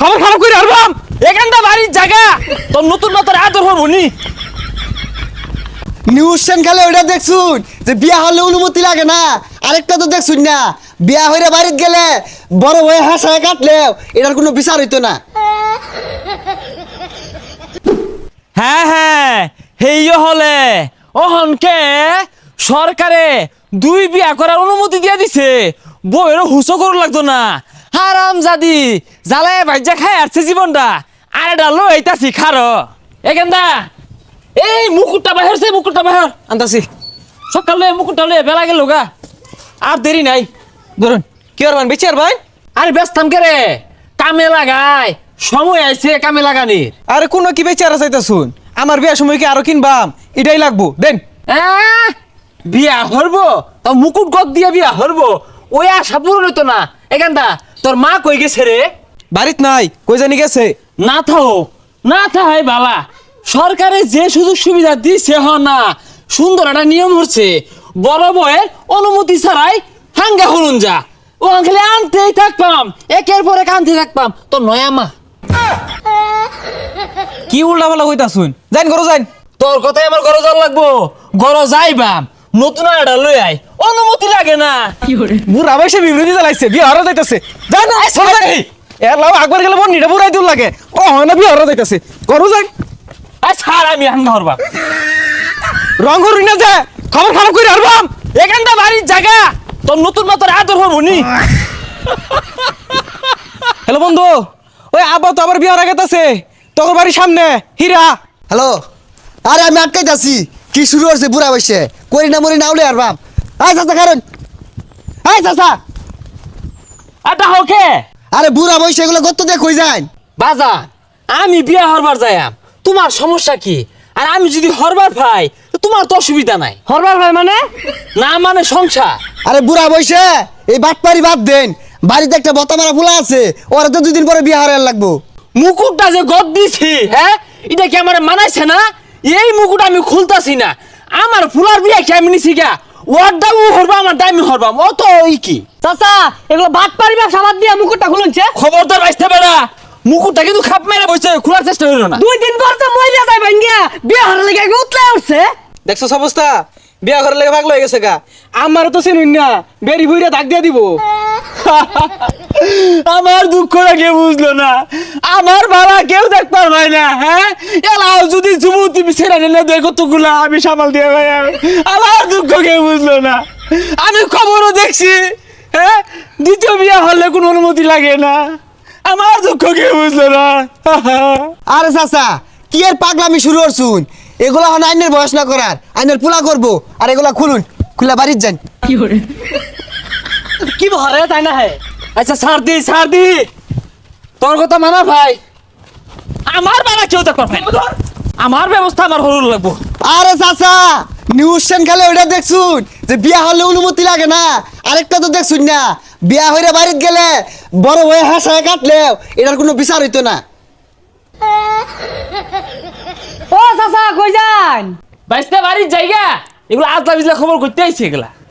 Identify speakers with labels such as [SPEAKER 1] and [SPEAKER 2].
[SPEAKER 1] খবর খারাপ করে আরবাম এখানটা বাড়ির জায়গা তোর নতুন নতুন আদর হবো নি
[SPEAKER 2] নিউজ চ্যানেলে ওইটা দেখছুন যে বিয়া হলে অনুমতি লাগে না, আরেকটা তো দেখছুন না বিয়া হইরে বাড়িতে গেলে বড় হয়ে হাসায় কাটলেও এটার কোনো বিচার হইতো না।
[SPEAKER 1] হ্যাঁ হ্যাঁ হেইও হলে অহনকে সরকারে 2 বিয়া করার অনুমতি দিয়ে দিছে, বউয়েরও হুসো করু লাগতো না। হারাম জাদি জ্বালায় ভাইজা খায় আসছে জীবনটা, আরে ডালো এইটাছি খারো এখানটা এই মুকুটটা বাহিরছে, মুকুটটা বাহির আনতাছি সকালে মুকুটটা লয়ে বেলা গেল গা, আর দেরি নাই ধরুন।
[SPEAKER 3] কি আর বেঁচে আর ভাই?
[SPEAKER 1] আরে ব্যস্তাম কে রে, কামে লাগাই সময় আইছে কামে লাগানির।
[SPEAKER 3] আরে কোনো কি বেঁচে আর চাইতা শুন, আমার বিয়ার সময় কি আরো কিনবাম, এটাই লাগবো দেন।
[SPEAKER 1] বিয়া হরবো তো মুকুট গদ দিয়ে বিয়া হরবো, ওই আশা পূরণ হইতো না। এখানটা তোর মা কই গেছে রে?
[SPEAKER 3] বাড়িত নাই, কই জানি গেছে।
[SPEAKER 1] না থাও না থাই বাবা, সরকারে যে সুযোগ সুবিধা দিছে হ না, সুন্দর একটা নিয়ম হচ্ছে বড় বয়ের অনুমতি ছাড়াই হাঙ্গা হলুন যা, ও খালি আনতেই থাকতাম, একের পর এক আনতে থাকতাম। তোর নয়া মা
[SPEAKER 3] কি উল্টা পাল্টা কইতা শুন, যাইন করো যাইন।
[SPEAKER 1] তোর কথাই আমার ঘরে যাওয়া লাগবো, ঘরে যাইবাম নতুন একটা লই আই, অনুমতি লাগে না।
[SPEAKER 3] বুড়া বয়সে বিবৃতি চালাইছে, বিয়ে হারা যাইতাছে। যাই না এর লাভ একবার গেলে মন নিটা বুড়াই দূর লাগে, ও হয় না বিয়ে হারা যাইতাছে, করো যাই।
[SPEAKER 1] ছাড় আমি হাঙ্গা হরবাম,
[SPEAKER 3] রং হরুই না যে
[SPEAKER 1] খবর খারাপ করে হারবাম এখানটা বাড়ির জায়গা, তোর নতুন নতুন আদর হবো নি।
[SPEAKER 3] হ্যালো বন্ধু, ওই আব্বা তো আবার বিয়ে হারা গেতাছে তোর বাড়ির সামনে হীরা।
[SPEAKER 2] হ্যালো, আরে আমি আটকাইতাছি, কি শুরু হচ্ছে বুড়া বয়সে, করি না মরি না উলে আর বাপ। আয় চাচা কারণ, আয় চাচা।
[SPEAKER 1] আটা হোকে
[SPEAKER 2] আরে বুড়া বয়সে এগুলো কত দেখ হয়ে যায়।
[SPEAKER 1] বাজার আমি বিয়া হরবার যাইয়াম, তোমার সমস্যা কি? আর আমি যদি হরবার ভাই তোমার তো অসুবিধা নাই।
[SPEAKER 3] হরবার ভাই মানে?
[SPEAKER 1] না মানে সংসার।
[SPEAKER 2] আরে বুড়া বয়সে এই বাটপারি বাদ দেন, বাড়িতে একটা বতা মারা ফুলা আছে, ওরা তো 2 দিন পরে বিয়ে হারার লাগবো।
[SPEAKER 1] মুকুটটা যে গদ দিছি, হ্যাঁ এটা কি আমার মানাইছে না? এই মুকুট আমি খুলতাছি না, আমার ফুলার বিয়া কি আমি নিছি গা, ওর দাম হরবা আমার দামি হরবাম, ও তো ওই কি
[SPEAKER 4] চাচা এগুলো ভাত পারিবা সাবাদ দিয়ে মুকুটটা খুলছে।
[SPEAKER 1] খবরদার বাইসতে পারা, মুকুটটা কিন্তু খাপ মেরে বসে খোলার চেষ্টা হইল না।
[SPEAKER 4] 2 দিন পর তো মইরা যাই ভাঙ্গিয়া বিয়ে হারা লাগে উতলে উঠছে।
[SPEAKER 3] দেখছো অবস্থা, বিয়া ঘরের লেগে ভাগ লয়ে গেছে গা। আমার তো চিনুন না, বেরি বুইরা দাগ দিয়ে দিব।
[SPEAKER 1] আমার দুঃখটা কেউ বুঝলো না, আমার বাবা কেউ দেখ পারবে না। হ্যাঁ এলাও যদি যুবতী ছেড়ে নিলে দেখো তোগুলা আমি সামাল দিয়ে ভাই, আমার দুঃখ কেউ বুঝলো না। আমি খবরও দেখছি, হ্যাঁ দ্বিতীয় বিয়ে হলে কোনো অনুমতি লাগে না, আমার দুঃখ কেউ বুঝলো না।
[SPEAKER 2] আরে চাচা কি আর পাগলামি শুরু করছুন, এগুলা হন আইনের বয়স না করার, আইনের পুলা করবো। আর এগুলা খুলুন, খুলে বাড়ির যান।
[SPEAKER 1] কি ভরে তাই না? হ্যাঁ আচ্ছা ছাড় দি তোর কথা মানা ভাই, আমার বাবা কেউ দেখ পারবে না, আমার ব্যবস্থা আমার হরুন লাগবো।
[SPEAKER 2] আরে চাচা নিউজ চ্যানেলে ওইটা দেখছুন যে বিয়া হলে অনুমতি লাগে না, আরেকটা তো দেখছুন না বিয়া হইরে বাড়িতে গেলে বড় হয়ে হাসায় কাটলেও এটার কোনো বিচার হইতো না।
[SPEAKER 4] ও চাচা কই যান?
[SPEAKER 1] বাইসতে বাড়ির জায়গা এগুলো আজলা বিজলা খবর করতে আইছে এগুলা।